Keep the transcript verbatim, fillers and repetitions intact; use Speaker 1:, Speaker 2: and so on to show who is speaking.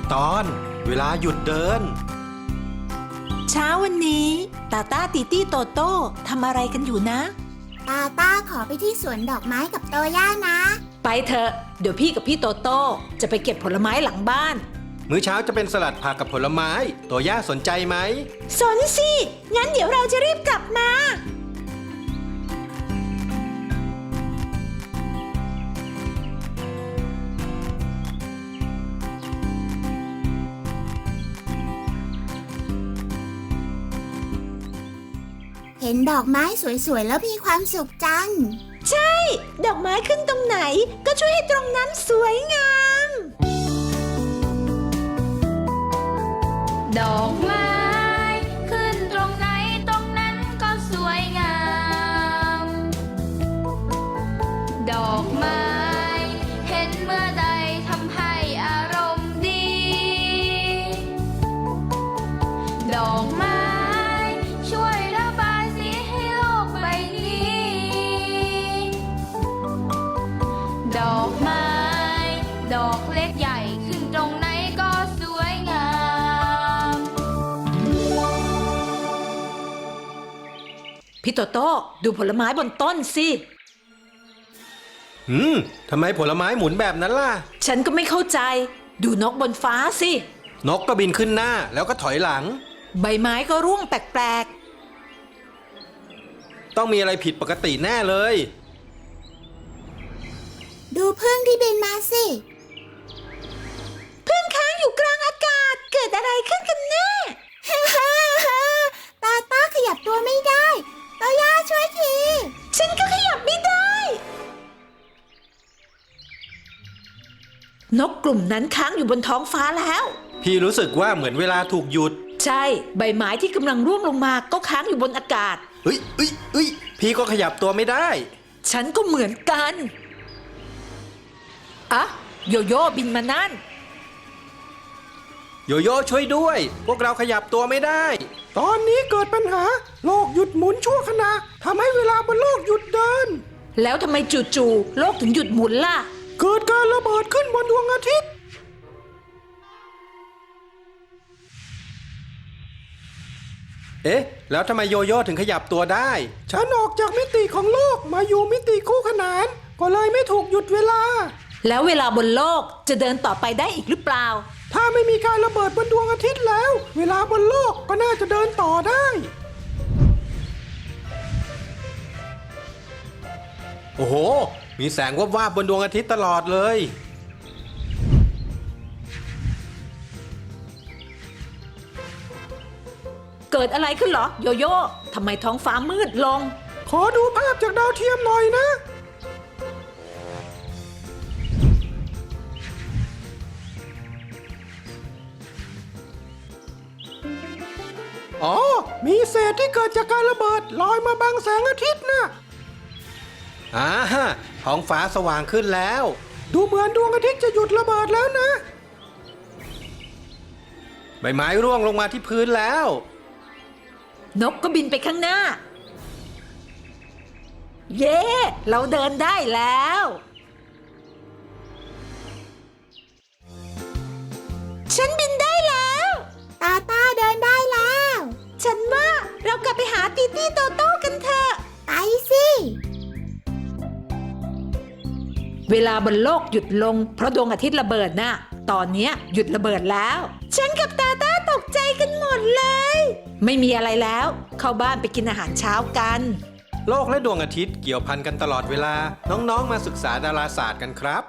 Speaker 1: ตอนเวลาหยุดเดิน
Speaker 2: เช้าวันนี้ตาต้าติตี้โตโต้ทำอะไรกันอยู่นะ
Speaker 3: ตาต้าขอไปที่สวนดอกไม้กับโตย่านะ
Speaker 2: ไปเถอะเดี๋ยวพี่กับพี่โตโต้จะไปเก็บผลไม้หลังบ้าน
Speaker 1: มื้อเช้าจะเป็นสลัดผักกับผลไม้ตัวย่าสนใจไหม
Speaker 2: สนสิงั้นเดี๋ยวเราจะรีบกลับมา
Speaker 3: เห็นดอกไม้สวยๆแล้วมีความสุขจัง
Speaker 2: ใช่ดอกไม้ขึ้นตรงไหนก็ช่วยให้ตรงนั้นสวยงาม
Speaker 4: ดอกไม้ขึ้นตรงไหนตรงนั้นก็สวยงามดอกไม้เห็นเมื่อใดทำให้อารมณ์ดีดอกไม้ช่วยระบายสีให้โลกใบนี้ดอกไม้ดอกเล็กใหญ่ขึ้นตรงไหนก็สวยงาม
Speaker 2: พี่โตโต้ดูผลไม้บนต้นสิ
Speaker 1: อืมทำไมผลไม้หมุนแบบนั้นล่ะ
Speaker 2: ฉันก็ไม่เข้าใจดูนกบนฟ้าสิ
Speaker 1: นกก็บินขึ้นหน้าแล้วก็ถอยหลัง
Speaker 2: ใบไม้ก็ร่วงแปลก
Speaker 1: ๆต้องมีอะไรผิดปกติแน่เลย
Speaker 3: ดูพึ่งที่บินมาสิ
Speaker 2: พึ่งค้างอยู่กลางอากาศเกิดอะไรขึ้นกันแน่
Speaker 3: ฮ่าฮ่าฮ่าตาต้าขยับตัวไม่ได้โตย่าช่วยที
Speaker 2: ฉันก็ขยับไม่ได้นกกลุ่มนั้นค้างอยู่บนท้องฟ้าแล้ว
Speaker 1: พี่รู้สึกว่าเหมือนเวลาถูกหยุด
Speaker 2: ใช่ใบไม้ที่กำลังร่วงลงมาก็ค้างอยู่บนอากาศ
Speaker 1: เฮ้ยเฮ้ยเฮ้ยพี่ก็ขยับตัวไม่ได้
Speaker 2: ฉันก็เหมือนกันอะโยโย่บินมานั่น
Speaker 1: โยโย่ช่วยด้วยพวกเราขยับตัวไม่ได้ตอนนี้เกิดปัญหาโลกหยุดหมุนชั่วขณะทำให้เวลาบนโลกหยุดเดิน
Speaker 2: แล้วทำไมจู่ๆโลกถึงหยุดหมุนล่ะ
Speaker 1: เกิดการระเบิดขึ้นบนดวงอาทิตย์เอ๊ะแล้วทำไมโยโย่ถึงขยับตัวได้ฉันออกจากมิติของโลกมาอยู่มิติคู่ขนานก็เลยไม่ถูกหยุดเวลา
Speaker 2: แล้วเวลาบนโลกจะเดินต่อไปได้อีกหรือเปล่า
Speaker 1: ถ้าไม่มีการระเบิดบนดวงอาทิตย์แล้วเวลาบนโลกก็น่าจะเดินต่อได้โอ้โหมีแสงวับวาบบนดวงอาทิตย์ตลอดเลย
Speaker 2: เกิดอะไรขึ้นเหรอโยโย่ทำไมท้องฟ้ามืดลง
Speaker 1: ขอดูภาพจากดาวเทียมหน่อยนะอ๋อมีเศษที่เกิดจากการระเบิดลอยมาบังแสงอาทิตย์นะอ่าฮะท้องฟ้าสว่างขึ้นแล้วดูเหมือนดวงอาทิตย์จะหยุดระเบิดแล้วนะใบไม้ร่วงลงมาที่พื้นแล้ว
Speaker 2: นกก็บินไปข้างหน้าเย้เราเดินได้แล้วฉันบินได้แล้ว
Speaker 3: ตาต้าเดินได้แล้ว
Speaker 2: ฉันว่าเรากลับไปหาตีตี้โตโต้กันเถอะ
Speaker 3: ไปสิ
Speaker 2: เวลาบนโลกหยุดลงเพราะดวงอาทิตย์ระเบิดน่ะตอนนี้หยุดระเบิดแล้วฉันกับตาต้าตกใจกันหมดเลยไม่มีอะไรแล้วเข้าบ้านไปกินอาหารเช้ากัน
Speaker 1: โลกและดวงอาทิตย์เกี่ยวพันกันตลอดเวลาน้องๆมาศึกษาดาราศาสตร์กันครับ